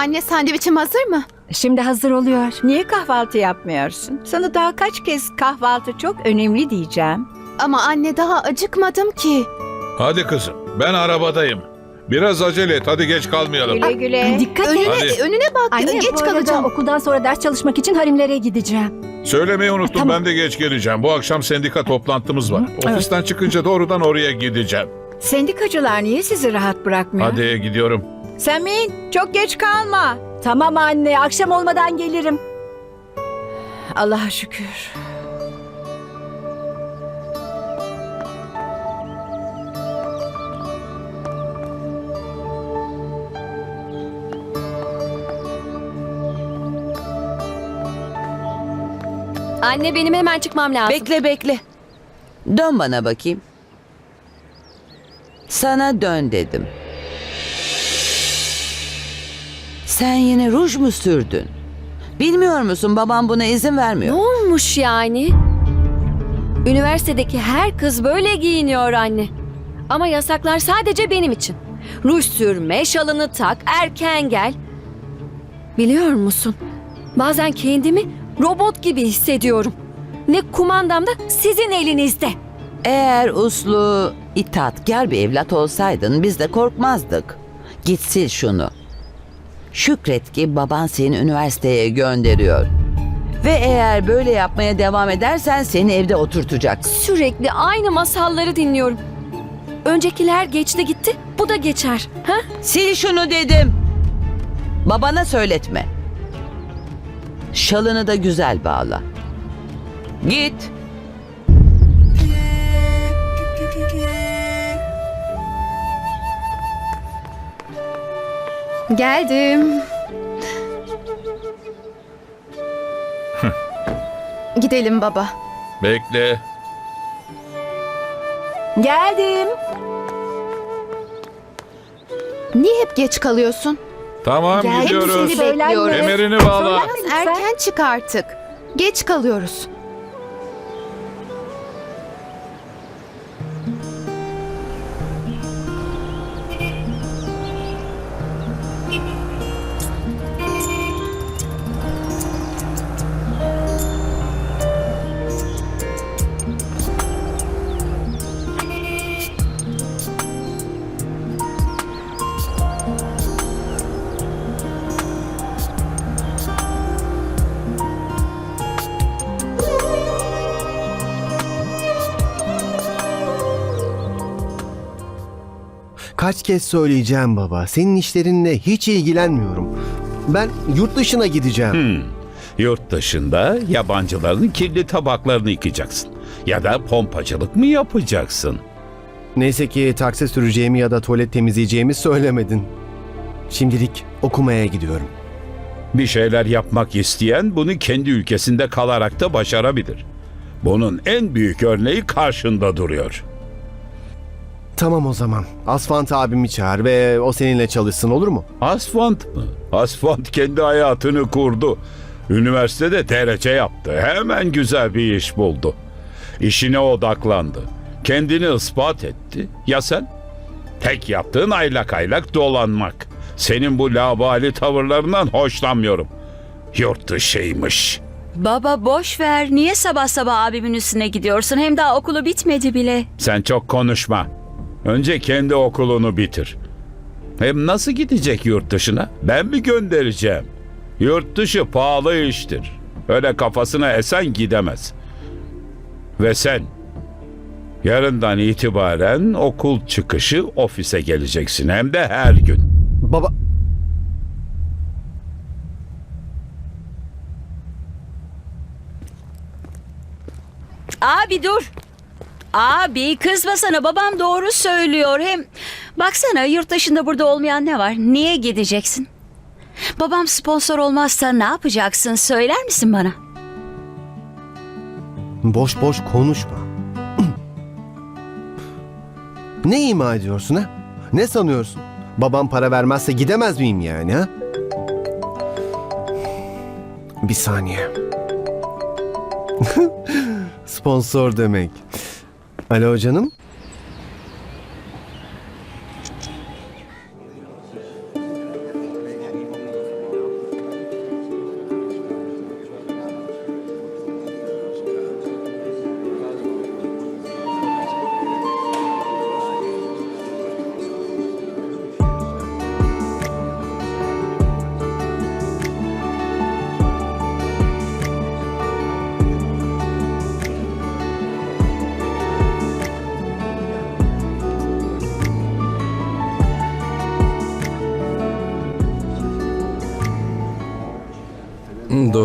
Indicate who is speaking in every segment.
Speaker 1: Anne, sandviçim hazır mı?
Speaker 2: Şimdi hazır oluyor.
Speaker 3: Niye kahvaltı yapmıyorsun? Sana daha kaç kez kahvaltı çok önemli diyeceğim.
Speaker 1: Ama anne, daha acıkmadım ki.
Speaker 4: Hadi kızım, ben arabadayım. Biraz acele et, hadi geç kalmayalım.
Speaker 3: Güle güle.
Speaker 2: Dikkat et.
Speaker 4: Hadi.
Speaker 1: Önüne bak.
Speaker 2: Anne,
Speaker 1: Geç
Speaker 2: bu arada
Speaker 1: kalacağım.
Speaker 2: okuldan sonra ders çalışmak için Harimlere gideceğim.
Speaker 4: Söylemeyi unuttum,
Speaker 2: Tamam.
Speaker 4: ben de geç geleceğim. Bu akşam sendika toplantımız var. Ofisten çıkınca doğrudan oraya gideceğim.
Speaker 3: Sendikacılar niye sizi rahat bırakmıyor?
Speaker 4: Hadi gidiyorum.
Speaker 3: Semin, çok geç kalma.
Speaker 2: Tamam anne, akşam olmadan gelirim.
Speaker 3: Allah'a şükür.
Speaker 5: Anne, benim hemen çıkmam lazım.
Speaker 6: Bekle bekle. Dön bana bakayım. Sana dön dedim. Sen yine ruj mu sürdün? Bilmiyor musun, babam buna izin
Speaker 5: Ne
Speaker 6: vermiyor.
Speaker 5: olmuş yani? Üniversitedeki her kız böyle giyiniyor anne. Ama yasaklar sadece benim için. Ruj sürme, şalını tak, erken gel. Biliyor musun? Bazen kendimi robot gibi hissediyorum. Ne kumandam da sizin elinizde.
Speaker 6: Eğer uslu, itaatkar bir evlat olsaydın biz de korkmazdık. Git sil şunu. Şükret ki baban seni üniversiteye gönderiyor. Ve eğer böyle yapmaya devam edersen seni evde oturtacak.
Speaker 5: Sürekli aynı masalları dinliyorum. Öncekiler geçti gitti, bu da geçer. Ha?
Speaker 6: Sil şunu dedim. Babana söyletme. Şalını da güzel bağla. Git.
Speaker 1: Geldim. Gidelim baba.
Speaker 4: Bekle.
Speaker 2: Geldim.
Speaker 1: Niye hep geç kalıyorsun?
Speaker 4: Tamam,
Speaker 2: Gel,
Speaker 4: gidiyoruz.
Speaker 1: seni bekliyorum.
Speaker 4: Kemerini bağla.
Speaker 1: Biraz erken çık artık. Geç kalıyoruz.
Speaker 7: Kaç kez söyleyeceğim baba. Senin işlerinle hiç ilgilenmiyorum. Ben yurt dışına gideceğim.
Speaker 8: Yurt dışında yabancıların kirli tabaklarını yıkacaksın. Ya da pompacılık mı yapacaksın?
Speaker 7: Neyse ki taksi süreceğimi ya da tuvalet temizleyeceğimi söylemedin. Şimdilik okumaya gidiyorum.
Speaker 8: Bir şeyler yapmak isteyen bunu kendi ülkesinde kalarak da başarabilir. Bunun en büyük örneği karşında duruyor.
Speaker 7: Tamam o zaman. Asfant abimi çağır ve o seninle çalışsın, olur mu?
Speaker 8: Asfalt mı? Asfalt kendi hayatını kurdu. Üniversitede TRC yaptı. Hemen güzel bir iş buldu. İşine odaklandı. Kendini ispat etti. Ya sen? Tek yaptığın aylak aylak dolanmak. Senin bu labali tavırlarından hoşlanmıyorum. Yurt dışıymış.
Speaker 9: Baba boş ver. Niye sabah sabah abimin üstüne gidiyorsun? Hem daha okulu bitmedi bile.
Speaker 8: Sen çok konuşma. Önce kendi okulunu bitir. Hem nasıl gidecek yurt dışına? Ben mi göndereceğim? Yurt dışı pahalı iştir. Öyle kafasına esen gidemez. Ve sen yarından itibaren okul çıkışı ofise geleceksin. Hem de her gün.
Speaker 7: Baba...
Speaker 9: Abi dur. Abi kızma sana, babam doğru söylüyor. Hem baksana, yurt dışında burada olmayan ne var? Niye gideceksin? Babam sponsor olmazsa ne yapacaksın, söyler misin bana?
Speaker 7: Boş boş konuşma. Ne ima ediyorsun ha? Ne sanıyorsun? Babam para vermezse gidemez miyim yani ha? Bir saniye. Sponsor demek. Alo canım.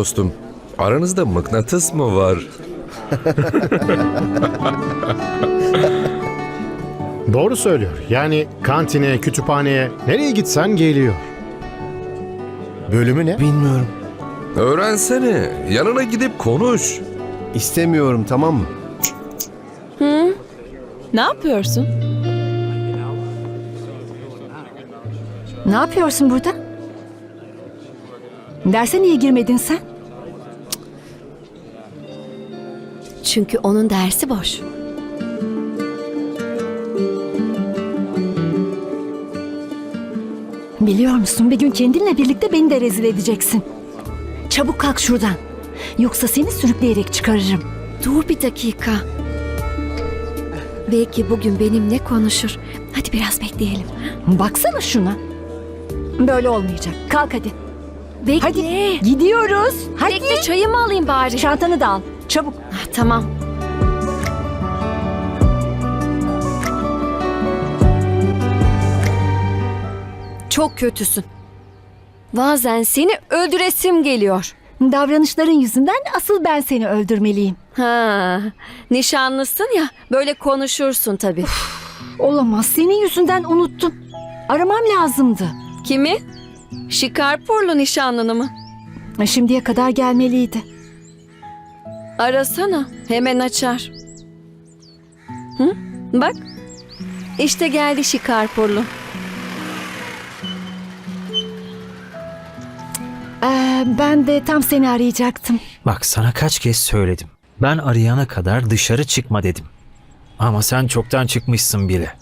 Speaker 10: dostum. Aranızda mıknatıs mı var?
Speaker 11: Doğru söylüyor. Yani kantine, kütüphaneye, nereye gitsen geliyor. Bölümü ne?
Speaker 7: Bilmiyorum.
Speaker 10: Öğrensene. Yanına gidip konuş.
Speaker 7: İstemiyorum, tamam mı?
Speaker 12: Ne yapıyorsun?
Speaker 2: Ne yapıyorsun burada? Derse niye girmedin sen?
Speaker 5: Çünkü onun dersi boş.
Speaker 2: Biliyor musun, bir gün kendinle birlikte beni de rezil edeceksin. Çabuk kalk şuradan. Yoksa seni sürükleyerek çıkarırım.
Speaker 5: Dur bir dakika. Belki bugün benimle konuşur. Hadi biraz bekleyelim.
Speaker 2: Baksana şuna. Böyle olmayacak. Kalk hadi.
Speaker 5: Bekle.
Speaker 2: Hadi gidiyoruz. Hadi.
Speaker 5: Bekle, çayımı alayım bari.
Speaker 2: Çantanı da al. Çabuk.
Speaker 5: Tamam. Çok kötüsün. Bazen seni öldüresim geliyor.
Speaker 2: Davranışların yüzünden asıl ben seni öldürmeliyim.
Speaker 5: Ha, nişanlısın ya, böyle konuşursun tabii.
Speaker 2: Olamaz. Senin yüzünden unuttum. Aramam lazımdı.
Speaker 5: Kimi? Şikarpurlu nişanlını mı?
Speaker 2: Şimdiye kadar gelmeliydi.
Speaker 5: Arasana, hemen açar. Hı? Bak, işte geldi Şikarpurlu.
Speaker 2: Ben de tam seni arayacaktım.
Speaker 13: Bak sana kaç kez söyledim. Ben arayana kadar dışarı çıkma dedim. Ama sen çoktan çıkmışsın bile.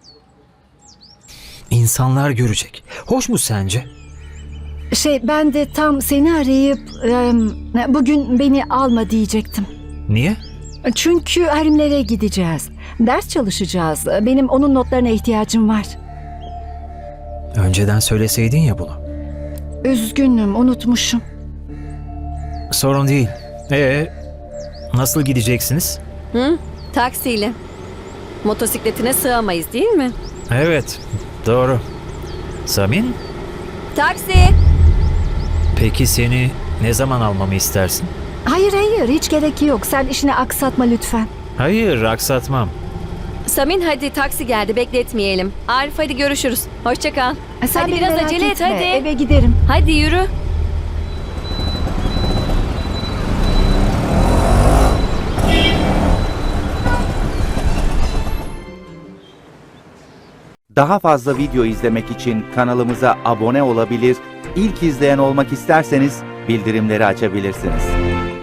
Speaker 13: İnsanlar görecek. Hoş mu sence?
Speaker 2: Ben de tam seni arayıp bugün beni alma diyecektim.
Speaker 13: Niye?
Speaker 2: Çünkü harimlere gideceğiz. Ders çalışacağız. Benim onun notlarına ihtiyacım var.
Speaker 13: Önceden söyleseydin ya bunu.
Speaker 2: Üzgünüm, unutmuşum.
Speaker 13: Sorun değil. Nasıl gideceksiniz?
Speaker 5: Hı? Taksiyle. Motosikletine sığamayız değil mi?
Speaker 13: Evet, doğru. Samin,
Speaker 5: Taksi!
Speaker 13: peki seni ne zaman almamı istersin?
Speaker 2: Hayır, hiç gerek yok. Sen işini aksatma lütfen.
Speaker 13: Hayır, aksatmam.
Speaker 5: Samin hadi, taksi geldi, bekletmeyelim. Arif hadi görüşürüz. Hoşça kal.
Speaker 2: Sen
Speaker 5: Hadi
Speaker 2: beni
Speaker 5: biraz
Speaker 2: merak
Speaker 5: acele et
Speaker 2: etme.
Speaker 5: hadi.
Speaker 2: Eve giderim.
Speaker 5: Hadi yürü.
Speaker 14: Daha fazla video izlemek için kanalımıza abone olabilir, ilk izleyen olmak isterseniz bildirimleri açabilirsiniz.